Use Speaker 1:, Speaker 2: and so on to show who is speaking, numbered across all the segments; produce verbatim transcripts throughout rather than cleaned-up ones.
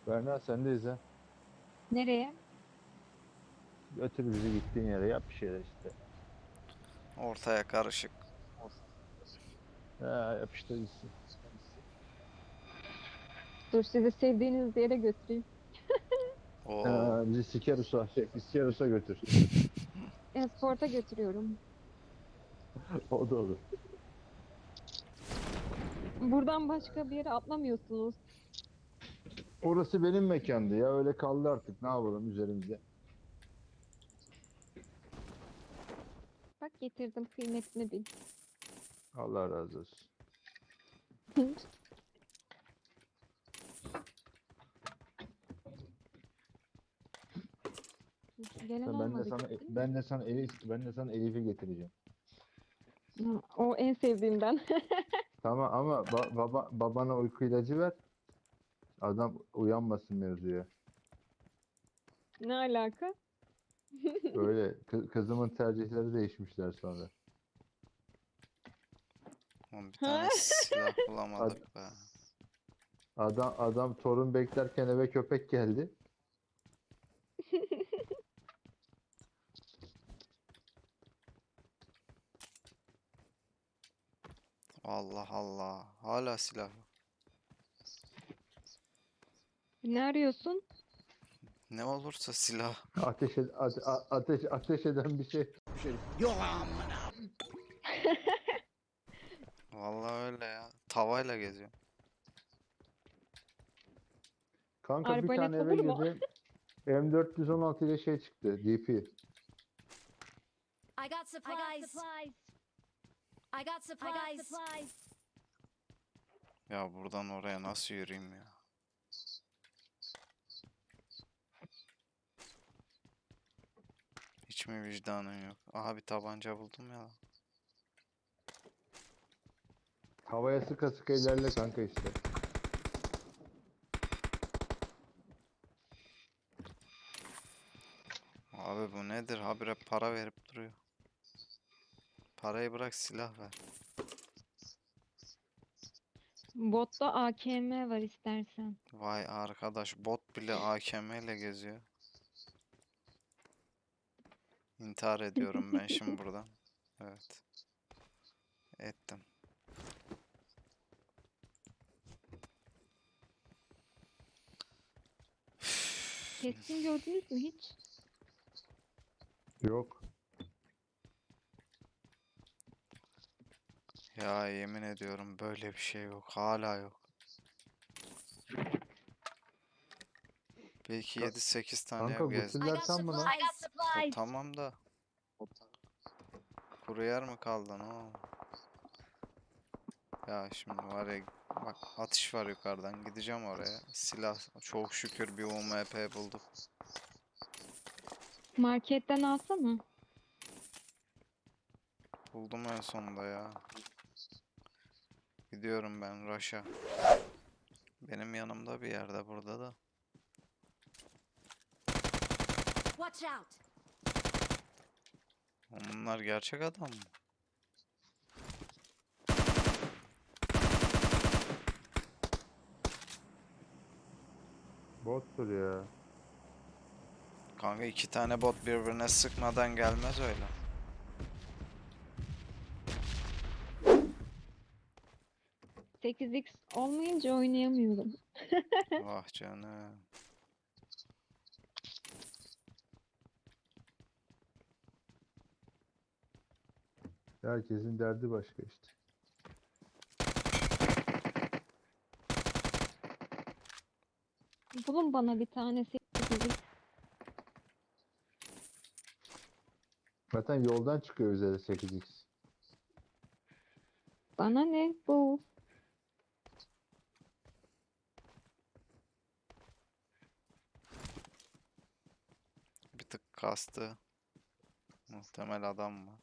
Speaker 1: Berna sendeyiz ha.
Speaker 2: Nereye?
Speaker 1: Götür bizi gittiğin yere yap bir şeyler işte.
Speaker 3: Ortaya karışık.
Speaker 1: Ha, yap işte gitsin.
Speaker 2: Dur sizi sevdiğiniz yere götüreyim.
Speaker 3: Oo.
Speaker 1: Ha, bizi Sikerus'a, Sikerus'a götür.
Speaker 2: E-sporta götürüyorum.
Speaker 1: O da olur.
Speaker 2: Buradan başka bir yere atlamıyorsunuz.
Speaker 1: Orası benim mekandı ya. Öyle kaldı artık. Ne yapalım üzerimize.
Speaker 2: Bak getirdim kıymetini bil.
Speaker 1: Allah razı olsun.
Speaker 2: Gelen
Speaker 1: Ben de
Speaker 2: olmadı
Speaker 1: sana
Speaker 2: gitti.
Speaker 1: ben de sana Elif ben de sana Elif'i getireceğim.
Speaker 2: Hı, o en sevdiğimden.
Speaker 1: Tamam ama ba- baba babana uyku ilacı ver. Adam uyanmasın mevzuya.
Speaker 2: Ne alaka?
Speaker 1: Öyle kı- kızımın tercihleri değişmişler sonra.
Speaker 3: Oğlum bir
Speaker 2: Ha?
Speaker 3: tane silah
Speaker 1: Ad-
Speaker 3: bulamadık be.
Speaker 1: adam adam torun beklerken eve köpek geldi.
Speaker 3: Allah Allah. Hala silah yok.
Speaker 2: Ne arıyorsun?
Speaker 3: Ne olursa silah.
Speaker 1: Ateş ed- ate- a- ateş ateş eden bir şey.
Speaker 3: Vallahi öyle ya. Tavayla geziyor.
Speaker 1: Kanka bir tane
Speaker 2: Arbalet
Speaker 1: eve
Speaker 2: olur mu?
Speaker 1: girdim. M dört yüz on altı ile şey çıktı. D P.
Speaker 4: I got supplies. I got supplies.
Speaker 3: Ya buradan oraya nasıl yürüyeyim ya? Hiç mi vicdanın yok? Aha bir tabanca buldum ya.
Speaker 1: Havaya sıka sıka ilerle kanka işte.
Speaker 3: Abi bu nedir? Habire para verip duruyor. Parayı bırak silah ver.
Speaker 2: Botta A K M var istersen.
Speaker 3: Vay arkadaş bot bile A K M ile geziyor. İntihar ediyorum ben şimdi buradan. Evet. Ettim.
Speaker 2: Keskin gördünüz mü hiç?
Speaker 1: Yok.
Speaker 3: Ya yemin ediyorum böyle bir şey yok. Hala yok. Belki
Speaker 1: Ka-
Speaker 3: yedi sekiz tane
Speaker 1: kanka
Speaker 3: ev gezdim.
Speaker 4: I
Speaker 1: gusüller
Speaker 4: got
Speaker 1: tam mı lan?
Speaker 4: supplies. I got
Speaker 3: O
Speaker 4: supplies.
Speaker 3: tamam da kuru yer mi kaldı o? Ya şimdi var ya bak atış var yukarıdan gideceğim oraya. Silah çok şükür bir U M P bulduk.
Speaker 2: Marketten alsana.
Speaker 3: Buldum en sonunda ya. Gidiyorum ben Raş'a. Benim yanımda bir yerde burada da.
Speaker 4: Watch out.
Speaker 3: Bunlar gerçek adam mı?
Speaker 1: Bottur ya.
Speaker 3: Kanka iki tane bot birbirine sıkmadan gelmez öyle.
Speaker 2: sekiz x olmayınca oynayamıyorum.
Speaker 3: Vah canım.
Speaker 1: Herkesin derdi başka işte.
Speaker 2: Bulun bana bir tane sekiz x.
Speaker 1: Zaten yoldan çıkıyor üzeri sekiz x.
Speaker 2: Bana ne bu?
Speaker 3: Bir tık kastı. Muhtemel adam mı?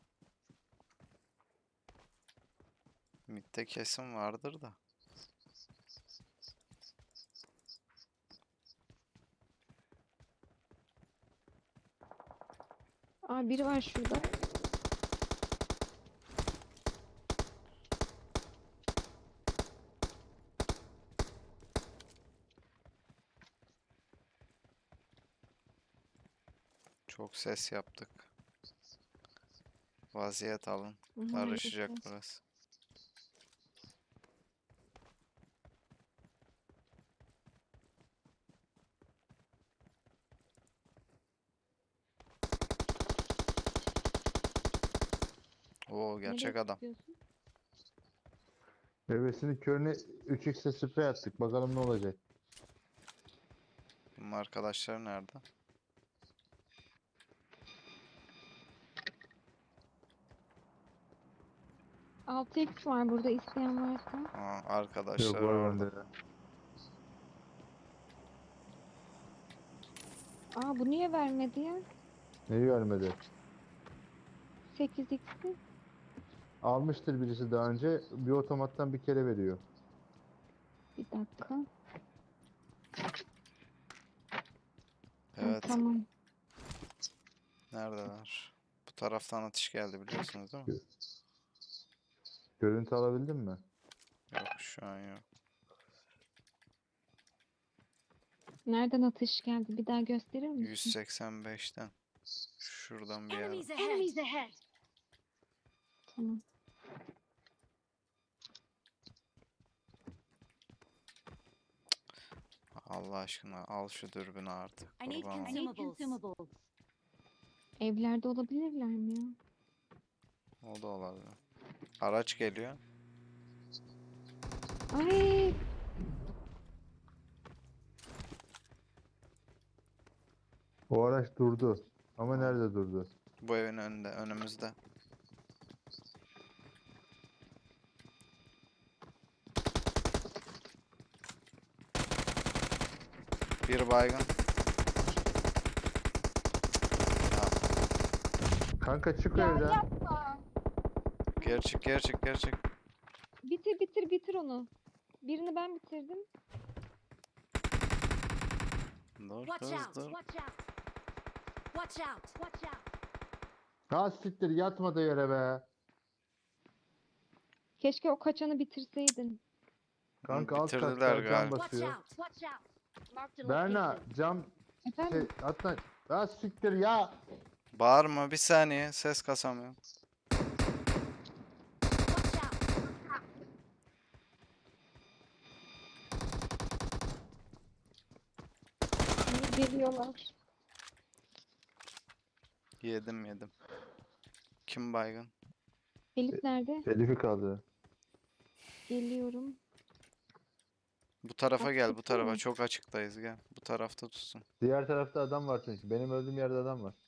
Speaker 3: Mid'de kesim vardır da.
Speaker 2: Aa biri var şurada.
Speaker 3: Çok ses yaptık. Vaziyet alın. Karışacak
Speaker 2: Maalesef.
Speaker 3: burası. Oo, gerçek
Speaker 2: Nereye
Speaker 3: adam.
Speaker 2: sıkıyorsun?
Speaker 1: Bebesinin körüne üç x'e sprey attık. Bakalım ne olacak.
Speaker 3: Bunun arkadaşları nerede?
Speaker 2: altı x var burada isteyen varsa.
Speaker 3: Aa,
Speaker 1: Yok
Speaker 3: arkadaşlar
Speaker 1: var
Speaker 3: orada.
Speaker 1: bende.
Speaker 2: Aa bu niye vermedi ya?
Speaker 1: Neyi vermedi?
Speaker 2: sekiz x'i.
Speaker 1: Almıştır birisi daha önce. Bir otomattan bir kere veriyor.
Speaker 2: Bir dakika. Ha,
Speaker 3: Evet.
Speaker 2: tamam.
Speaker 3: Neredeler? Bu taraftan atış geldi biliyorsunuz değil mi?
Speaker 1: Görüntü alabildin mi?
Speaker 3: Yok, şu an yok.
Speaker 2: Nereden atış geldi? Bir daha gösterir misin?
Speaker 3: yüz seksen beşten. Şuradan bir yerden.
Speaker 4: Enemies ahead. Enemies ahead.
Speaker 2: Tamam.
Speaker 3: Allah aşkına al şu dürbünü artık.
Speaker 4: I need
Speaker 3: Kurban olayım.
Speaker 4: consumables.
Speaker 2: Evlerde olabilirler mi ya?
Speaker 3: O da olabilir. Araç geliyor.
Speaker 2: Ay
Speaker 1: O araç durdu. Ama nerede durdu?
Speaker 3: Bu evin önünde, önümüzde. Bir baygın. Ha,
Speaker 1: Kanka çık
Speaker 2: ya
Speaker 1: evden.
Speaker 2: yapma.
Speaker 3: geri çık, geri çık, geri çık.
Speaker 2: Bitir bitir bitir onu. Birini ben bitirdim.
Speaker 3: Dur,
Speaker 4: Watch
Speaker 3: dur,
Speaker 4: out.
Speaker 3: dur.
Speaker 4: Watch out. Watch out. Watch out.
Speaker 1: Ha siktir yatma da yere be.
Speaker 2: Keşke o kaçanı bitirseydin.
Speaker 1: Kanka alt
Speaker 3: bitirdiler
Speaker 1: katta cam
Speaker 3: galiba.
Speaker 4: Watch
Speaker 1: basıyor.
Speaker 4: out. Watch out. Marked a
Speaker 1: Berna
Speaker 4: location.
Speaker 1: cam
Speaker 2: Efendim?
Speaker 1: şey hatta ha siktir ya.
Speaker 3: Bağırma bir saniye, ses kasamıyorum.
Speaker 4: Watch out.
Speaker 2: İyi geliyorlar.
Speaker 3: Yedim yedim. Kim baygın?
Speaker 2: Elif nerede?
Speaker 1: Elif'i kaldı.
Speaker 2: Geliyorum.
Speaker 3: Bu tarafa
Speaker 2: Bak,
Speaker 3: gel, bu
Speaker 2: tuttu
Speaker 3: tarafa.
Speaker 2: mu?
Speaker 3: Çok açıktayız, gel. Bu tarafta tutsun.
Speaker 1: Diğer tarafta adam var çünkü. Benim öldüğüm yerde adam var.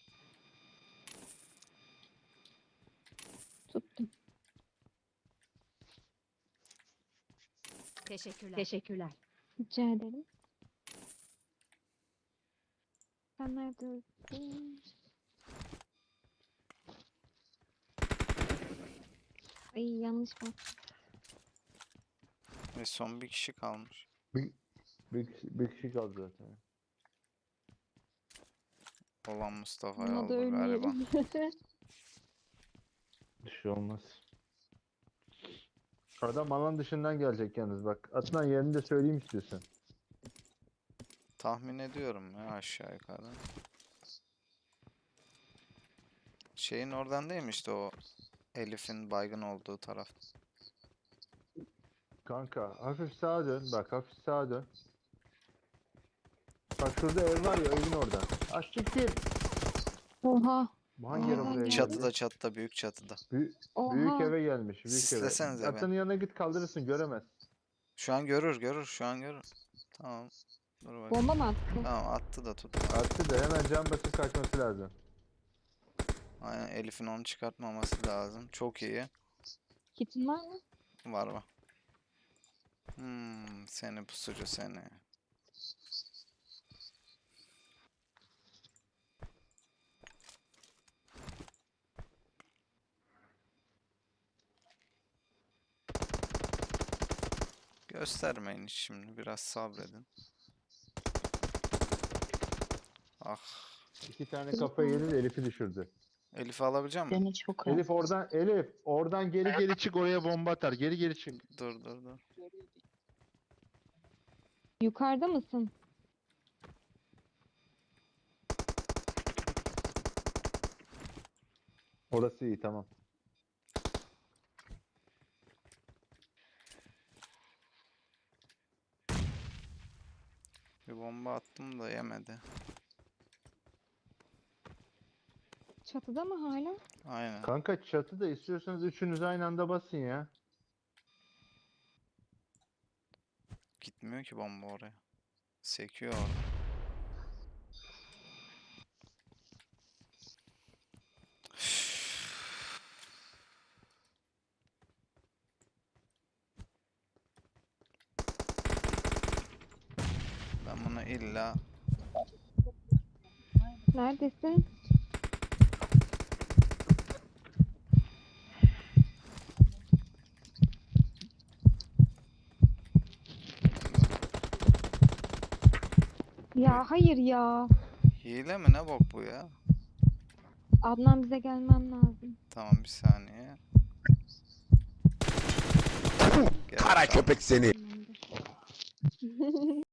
Speaker 2: Tuttum.
Speaker 4: Teşekkürler. Teşekkürler.
Speaker 2: Rica ederim. Sen nerede öldün? Ay yanlış bak.
Speaker 3: Ve son bir kişi kalmış.
Speaker 1: Bir, bir, kişi- bir kişi kaldı zaten.
Speaker 3: Olan Mustafa'yı
Speaker 2: Buna da
Speaker 3: aldı galiba.
Speaker 2: ölmeyelim.
Speaker 1: Bir şey olmaz. Adam alan dışından gelecek yalnız bak. Atlan yerini de söyleyeyim istiyorsan.
Speaker 3: Tahmin ediyorum ya aşağı yukarı. Şeyin oradan değil mi işte o Elif'in baygın olduğu taraf.
Speaker 1: Kanka hafif sağa dön. Bak hafif sağa dön. Bak şurada ev var ya evin orada. Aşiktir.
Speaker 2: Oha.
Speaker 1: Bu hangi eve
Speaker 2: Aa,
Speaker 1: buraya geldi?
Speaker 3: Çatıda çatıda büyük çatıda.
Speaker 1: Büyük,
Speaker 2: Oha.
Speaker 1: büyük eve gelmiş. Büyük eve.
Speaker 3: Sislesenize beni.
Speaker 1: Atlanın yanına git kaldırırsın göremez.
Speaker 3: Şu an görür görür şu an görür. Tamam. Dur bakayım.
Speaker 2: Bomba mı attı?
Speaker 3: Tamam attı da tut.
Speaker 1: Attı da hemen cam basıp kaçması lazım.
Speaker 3: Aynen Elif'in onu çıkartmaması lazım. Çok iyi.
Speaker 2: Kitin var mı?
Speaker 3: Var var. Hmm, seni pusucu seni. Göstermeyin hiç şimdi. Biraz sabredin. Ah.
Speaker 1: İki tane kafa yedi de Elif'i düşürdü.
Speaker 3: Elif'i alabilecek misin?
Speaker 5: Beni çok az.
Speaker 1: Elif oradan Elif oradan geri geri çık oraya bomba atar. Geri geri çık.
Speaker 3: Dur dur dur.
Speaker 2: Yukarıda mısın?
Speaker 1: Orası iyi, tamam.
Speaker 3: Bir bomba attım da yemedi.
Speaker 2: Çatıda mı hala?
Speaker 3: Aynen.
Speaker 1: Kanka çatıda istiyorsanız üçünüz aynı anda basın ya.
Speaker 3: Gitmiyor ki bomba oraya. Sekiyor orada. Ben bunu illa
Speaker 2: Neredesin? Ya hayır ya.
Speaker 3: hile mi ne bok bu ya?
Speaker 2: Adnan bize gelmen lazım.
Speaker 3: Tamam bir saniye. Gel,
Speaker 5: Kara
Speaker 3: tamam.
Speaker 5: köpek seni.
Speaker 2: Tamamdır.